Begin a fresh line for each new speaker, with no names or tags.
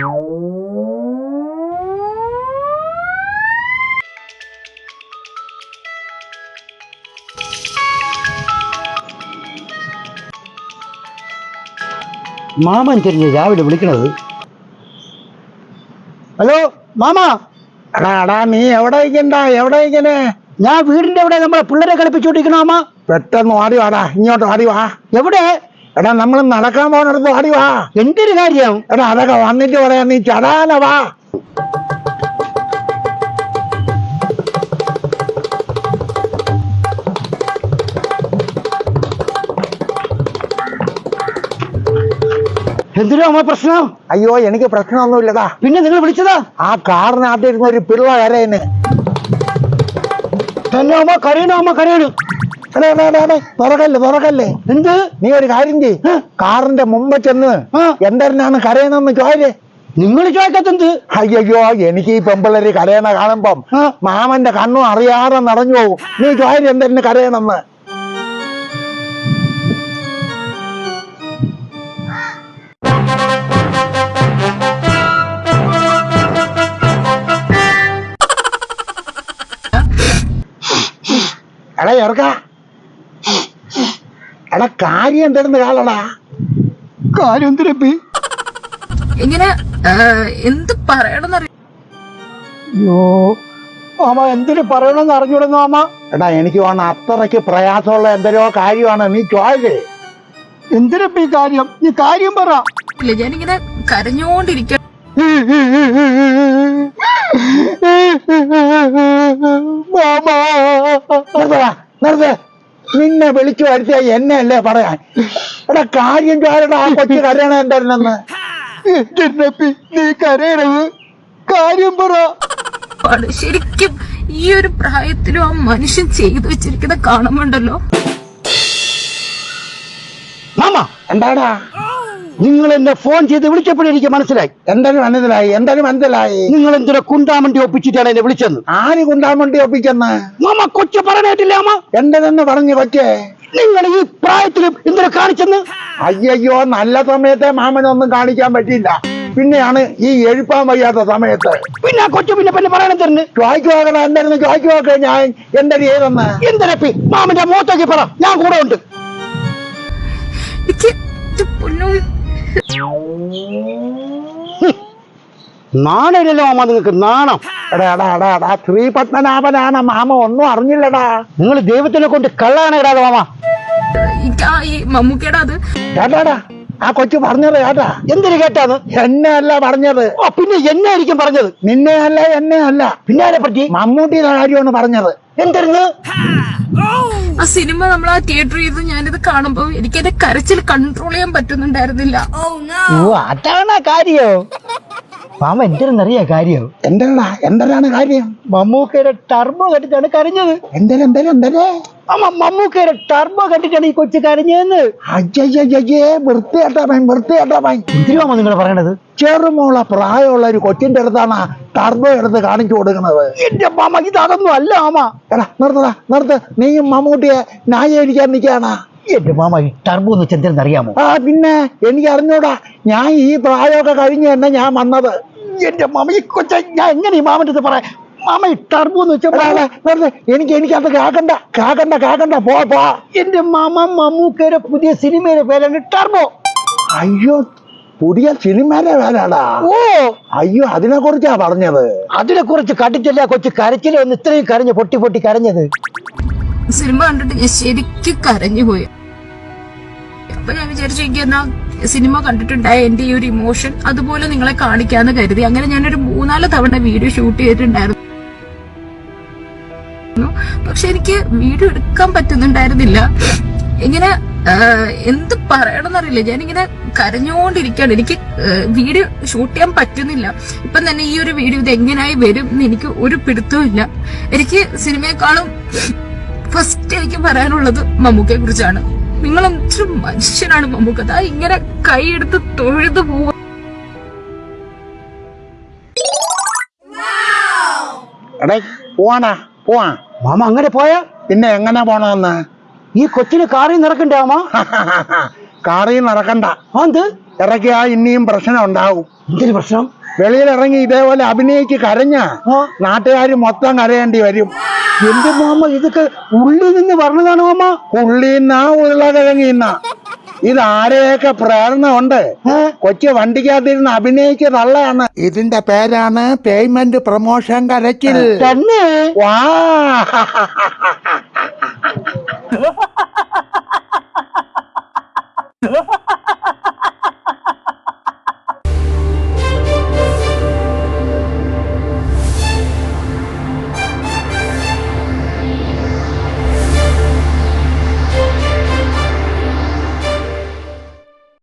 മാമൻ തിരിഞ്ഞ് രാവിലെ വിളിക്കണത്. ഹലോ മാമാ.
എടാ നീ എവിടെ ഇരിക്കണേ?
ഞാൻ വീടിന്റെ അവിടെ നമ്മളെ പിള്ളേരെ കളിപ്പിച്ചോണ്ടിരിക്കണോ മാമ?
പെട്ടെന്ന് വാടി വാടാ, ഇങ്ങോട്ട് വാടി വാ.
എവിടെ?
എടാ നമ്മൾ നടക്കാൻ പോകണടുത്ത് വാടി വാ.
എന്തൊരു കാര്യം?
എടാ അതൊക്കെ വന്നിട്ട് പറയാം, നീ ചടാന വാ.
എന്തിനാ അമ്മ പ്രശ്നം?
അയ്യോ എനിക്ക് പ്രശ്നമൊന്നുമില്ലടാ.
പിന്നെ നിങ്ങൾ വിളിച്ചതാ?
ആ കാറിനകത്ത് ഇരുന്ന ഒരു പിള്ള കരയുന്നു.
തന്നെ അമ്മ കരയണോ? അമ്മ കരയണു.
തുറക്കല്ലേ.
എന്ത്?
നീ ഒരു കാര്യം ചെയ്യ്, കാറിന്റെ മുമ്പ് ചെന്ന് എന്തിനാണ് കരയുന്നെന്ന് ചോദിച്ചേ.
നിങ്ങൾ ചോദിക്കത്തെന്ത്?
അയ്യോ എനിക്ക് ഈ പെമ്പിള്ളേര് കരയണ കാണുമ്പം മാമന്റെ കണ്ണും അറിയാതെ നടഞ്ഞു പോകും. നീ ചോദിച്ചു എന്തിനു കരയണമെന്ന്. എടാ ഇറക്ക, എടാ കാര്യം എന്തെന്ന് കാലടാ.
കാര്യം എന്തിനപ്പി?
ഇങ്ങനെ എന്ത് പറയണമെന്നറിയോ?
അയ്യോ മാമ എന്തിനു പറയണമെന്ന് അറിഞ്ഞൂടുന്നു മാമ.
എടാ എനിക്ക് വേണം അത്രയ്ക്ക് പ്രയാസമുള്ള എന്തെല്ലോ കാര്യമാണ്. നീ ചോദിച്ചേ
എന്തിനപ്പി കാര്യം? നീ കാര്യം പറ.
ഇല്ല, ഞാനിങ്ങനെ കരഞ്ഞോണ്ടിരിക്ക.
നിർത്ത, നിന്നെ വിളിച്ചു വരുത്തിയ എന്നെ അല്ലേ പറയാൻ. എടാ കാര്യം ചോരടാ, ആ കൊച്ചു കരയണ എന്തായിരുന്നെന്ന്.
നീ കരയണത് കാര്യം പറ.
ശരിക്കും ഈ ഒരു പ്രായത്തിലും ആ മനുഷ്യൻ ചെയ്തു വെച്ചിരിക്കുന്ന കാണുമ്പോണ്ടല്ലോ.
മാമ
എന്താടാ?
നിങ്ങൾ എന്നെ ഫോൺ ചെയ്ത് വിളിച്ചപ്പോഴേ എനിക്ക് മനസ്സിലായി.
എന്തായാലും മനസ്സിലായി.
നിങ്ങൾ എന്തിനാ കുണ്ടാമണ്ടി ഒപ്പിച്ചിട്ടാണ് എന്നെ വിളിച്ചെന്ന്.
ആര് കുണ്ടാമണ്ടി ഒപ്പിച്ചെന്ന്?
മാമ കൊച്ചു പറഞ്ഞിട്ടില്ല അമ്മ.
എന്റെ തന്നെ പറഞ്ഞു കൊച്ചേ.
നിങ്ങൾ ഈ പ്രായത്തിലും എന്തിനാ കാണിച്ചെന്ന്?
അയ്യോ നല്ല സമയത്തെ മാമനൊന്നും കാണിക്കാൻ പറ്റില്ല, പിന്നെയാണ് ഈ എഴുപ്പാൻ വയ്യാത്ത സമയത്ത്.
പിന്നെ ആ കൊച്ചു പിന്നെ പറയണ തന്നെ
ചോദിക്കുവാക്കണ എന്തായിരുന്നു ചോദിക്കുവാക്ക. ഞാൻ എന്റെ ചെയ്തെന്ന്
എന്തിനപ്പി മാമന്റെ മുഖത്തേക്ക് പറ, ഞാൻ കൂടെ ഉണ്ട്. നാണല്ലോ മാമ, നിങ്ങൾക്ക് നാണം.
എടാ ശ്രീ പത്മനാഭനാണ് മാമ, ഒന്നും അറിഞ്ഞില്ലടാ.
നിങ്ങൾ ദൈവത്തിനെ കൊണ്ട് കള്ളാണ് ഇടാതെ മാമ.
ഈ മമ്മൂക്കയുടെ അത്
കേട്ടാടാ, ആ കൊച്ചു പറഞ്ഞത് കേട്ടാ.
എന്തിനു കേട്ടാന്ന്?
എന്നെ അല്ല പറഞ്ഞത്.
പിന്നെ എന്നെ ആയിരിക്കും പറഞ്ഞത്.
നിന്നെ അല്ല, എന്നെ അല്ല.
പിന്നെ ആരെ പറ്റി?
മമ്മൂട്ടിയുടെ കാര്യമാണ് പറഞ്ഞത്.
എന്തായിരുന്നു
ആ സിനിമ നമ്മൾ ആ തിയേറ്ററിൽ ചെയ്ത് ഞാനിത് കാണുമ്പോ എനിക്ക് എന്റെ കരച്ചിൽ കൺട്രോൾ ചെയ്യാൻ പറ്റുന്നുണ്ടായിരുന്നില്ല.
ഓ അതാണ് കാര്യം. മാമ എന്തിനെന്നറിയാ കാര്യം?
എന്താണ് കാര്യം?
മമ്മൂക്കയുടെ ടർബോ കണ്ടിട്ടാണ് കരഞ്ഞത്.
എന്തേ
മമ്മൂക്കയുടെ ടർബോ കണ്ടിട്ടാണ് ഈ കൊച്ചു കരഞ്ഞതെന്ന്.
അയ്യേ വൃത്തിയാട്ടാ പൈൻ.
എന്തിനാ നിങ്ങൾ പറയണത്?
ചെറുമോള പ്രായമുള്ള ഒരു കൊച്ചിന്റെ അടുത്താണ് ടർബോ എടുത്ത് കാണിച്ചു കൊടുക്കുന്നത്.
എന്റെ മാമ ഇതൊന്നും അല്ല മാമ.
എടാ നിർത്ത്, നീയും മമ്മൂട്ടിയെ ന്യായീകരിക്കാൻ നിൽക്കാണ്.
എന്റെ മാമ ഈ ടർബോ എന്ന് വെച്ചാൽ എന്തെന്നറിയാമോ?
പിന്നെ എനിക്ക് അറിഞ്ഞൂടാ, ഞാൻ ഈ പ്രായമൊക്കെ കഴിഞ്ഞ് തന്നെ ഞാൻ വന്നത്.
എന്റെ മാമ ഈ കൊച്ച ഞാൻ എങ്ങനെ ഈ മാമന്റെ അടുത്ത് പറയാം? മാമ ഈ ടർബോ എന്ന് വെച്ചാൽ
എനിക്കത് കേക്കണ്ട പോ.
എന്റെ മാമ മമ്മൂക്കയുടെ പുതിയ സിനിമയുടെ പേരാണ് ടർബോ.
അയ്യോ പുതിയ സിനിമയുടെ പേരാടാ?
ഓ
അയ്യോ അതിനെ കുറിച്ചാ പറഞ്ഞത്.
അതിനെ കുറിച്ച് കണ്ടിട്ടില്ല കൊച്ചു കരച്ചില് വന്ന് ഇത്രയും കരഞ്ഞു പൊട്ടി കരഞ്ഞത്.
സിനിമ കണ്ടിട്ട് ഞാൻ ശരിക്കും കരഞ്ഞുപോയി. അപ്പൊ ഞാൻ വിചാരിച്ചു എന്നാ സിനിമ കണ്ടിട്ടുണ്ടായ എന്റെ ഈ ഒരു ഇമോഷൻ അതുപോലെ നിങ്ങളെ കാണിക്കാന്ന് കരുതി. അങ്ങനെ ഞാനൊരു 3-4 തവണ വീഡിയോ ഷൂട്ട് ചെയ്തിട്ടുണ്ടായിരുന്നു. പക്ഷെ എനിക്ക് വീഡിയോ എടുക്കാൻ പറ്റുന്നുണ്ടായിരുന്നില്ല. ഇങ്ങനെ എന്ത് പറയണമെന്നറിയില്ല, ഞാനിങ്ങനെ കരഞ്ഞുകൊണ്ടിരിക്കുകയാണ്. എനിക്ക് വീഡിയോ ഷൂട്ട് ചെയ്യാൻ പറ്റുന്നില്ല. ഇപ്പം തന്നെ ഈ ഒരു വീഡിയോ ഇത് എങ്ങനെയായി വരും എന്ന് എനിക്ക് ഒരു പിടുത്തവും ഇല്ല. എനിക്ക് സിനിമയെക്കാളും ഫസ്റ്റ് എനിക്ക് പറയാനുള്ളത് മമ്മൂക്കയെ കുറിച്ചാണ്. നിങ്ങൾ എന്തൊരു മനുഷ്യനാണ് മമ്മൂക്ക. അതാ ഇങ്ങനെ കൈയെടുത്ത് തൊഴുതു പോവാ.
പോവാ
മാമ അങ്ങനെ പോയാ
പിന്നെ എങ്ങനെ പോണമെന്ന്?
ഈ കൊച്ചിന് കാറിൽ നടക്കണ്ടേ മാമ?
കാറിൽ നടക്കണ്ട.
എന്ത്
ഇറക്കിയാ ഇനിയും പ്രശ്നം ഉണ്ടാവും.
എന്തൊരു പ്രശ്നം?
വെളിയിലിറങ്ങി ഇതേപോലെ അഭിനയിച്ച് കരഞ്ഞ നാട്ടുകാർ മൊത്തം കരയേണ്ടി വരും.
എന്റെ മാമ ഇതൊക്കെ ഉള്ളിൽ നിന്ന് പറഞ്ഞതാണ് മാമ.
ഉള്ളിന്നാ ഉരുളക്കിഴങ്ങിന്ന. ഇതാരെയൊക്കെ പ്രേരണ ഉണ്ട്. കൊച്ചു വണ്ടിക്കകത്തിരുന്ന് അഭിനയിച്ച് തള്ളയാണ്. ഇതിന്റെ പേരാണ് പേയ്മെന്റ് പ്രൊമോഷൻ കരച്ചിൽ.
തന്നെ
വാ